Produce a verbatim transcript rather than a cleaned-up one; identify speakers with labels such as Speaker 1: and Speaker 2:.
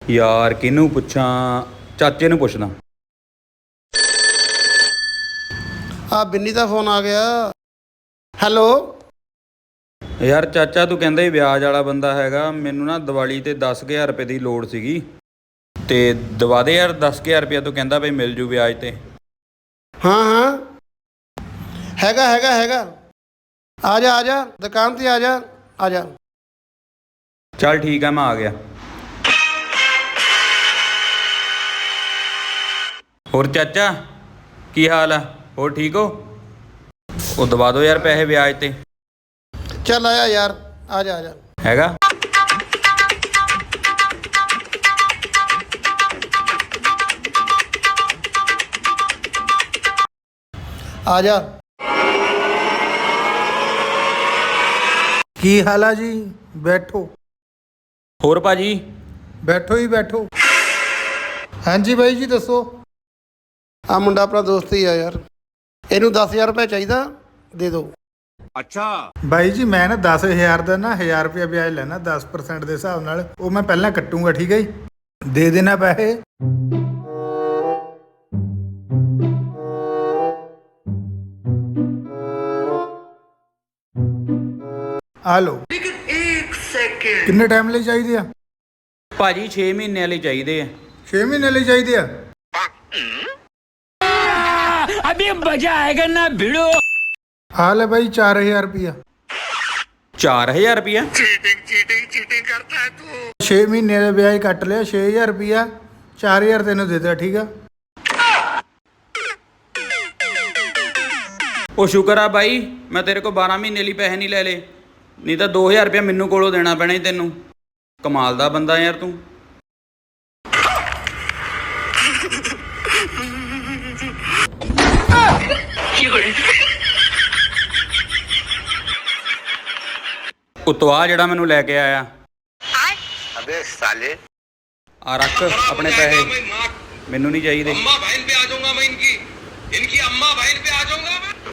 Speaker 1: यार किनू पुछां, चाचे नू पुछदा।
Speaker 2: आ बिन्नी का फोन आ गया। हैलो
Speaker 1: यार चाचा तू कहंदा ही ब्याज वाला बंदा हैगा, मैनू ना दिवाली ते दस हज़ार रुपये की लोड़ सीगी ते दवा दे यार दस हज़ार रुपया। तू कहंदा बई मिल जू ब्याज ते।
Speaker 2: हाँ हाँ हैगा हैगा हैगा आ जा आ जा दुकान ते आ जा आ जा।
Speaker 1: चल ठीक है, मैं आ गया। होर चाचा की हाल है? होर ठीक हो? वो दवा दो यार पैसे ब्याज ते।
Speaker 2: चल आया यार, आ जा आ जा।
Speaker 1: हैगा
Speaker 2: आ जा।
Speaker 3: ਕੀ ਹਾਲ ਆ ਜੀ? ਬੈਠੋ
Speaker 1: होर भाजी?
Speaker 3: ਬੈਠੋ ਹੀ ਬੈਠੋ। ਹਾਂਜੀ ਬਾਈ ਜੀ ਦੱਸੋ।
Speaker 2: आ मुंडा अपना दोस्त ही है यार, ਇਹਨੂੰ दस हज़ार रुपये चाहिए, दे दो।
Speaker 3: ਬਾਈ ਜੀ ਮੈਂ ਨਾ ਦਸ ਹਜ਼ਾਰ ਦਾ ਨਾ ਹਜ਼ਾਰ ਰੁਪਇਆ ਵਿਆਜ ਲੈਣਾ ਦਸ ਪਰਸੈਂਟ ਦੇ ਹਿਸਾਬ ਨਾਲ, ਉਹ ਮੈਂ ਪਹਿਲਾਂ ਕੱਟੂੰਗਾ, ਠੀਕ ਹੈ ਜੀ? ਦੇ ਦੇਣਾ ਪੈਸੇ। ਆ ਲਓ। ਕਿੰਨੇ ਟਾਈਮ ਲਈ ਚਾਹੀਦੇ ਆ?
Speaker 1: भाजी छे महीने वाले चाहिए।
Speaker 3: ਛੇ ਮਹੀਨੇ ਲਈ ਚਾਹੀਦੇ ਆ।
Speaker 4: अभी मजा आएगा ना भिड़ो।
Speaker 3: ਆ ਲੈ ਬਾਈ ਚਾਰ ਹਜ਼ਾਰ ਰੁਪਇਆ।
Speaker 1: चार हज़ार रुपया?
Speaker 3: ਛੇ ਮਹੀਨੇ ਦਾ ਵਿਆਜ ਕੱਟ ਲਿਆ, ਛੇ ਹਜ਼ਾਰ ਰੁਪਇਆ, ਚਾਰ ਹਜ਼ਾਰ ਤੈਨੂੰ ਦੇ ਦਿੱਤਾ, ਠੀਕ ਆ?
Speaker 1: ਉਹ ਸ਼ੁਕਰ ਆ ਬਾਈ ਮੈਂ ਤੇਰੇ ਕੋਲ ਬਾਰਾਂ ਮਹੀਨੇ ਲਈ ਪੈਸੇ ਨਹੀਂ ਲੈ ਲਏ, ਨਹੀਂ ਤਾਂ ਦੋ ਹਜ਼ਾਰ ਰੁਪਇਆ ਮੈਨੂੰ ਕੋਲੋਂ ਦੇਣਾ ਪੈਣਾ ਸੀ ਤੈਨੂੰ। ਕਮਾਲ ਦਾ ਬੰਦਾ ਯਾਰ ਤੂੰ। ਉਤੋਂ ਆ ਜਿਹੜਾ ਮੈਨੂੰ ਲੈ ਕੇ ਆਇਆ,
Speaker 5: अबे साले
Speaker 1: ਆ ਰੱਖ ਆਪਣੇ ਪੈਸੇ, ਮੈਨੂੰ ਨਹੀਂ ਚਾਹੀਦੇ।
Speaker 5: अम्मा बहन पे आ जाऊंगा मैं इनकी इनकी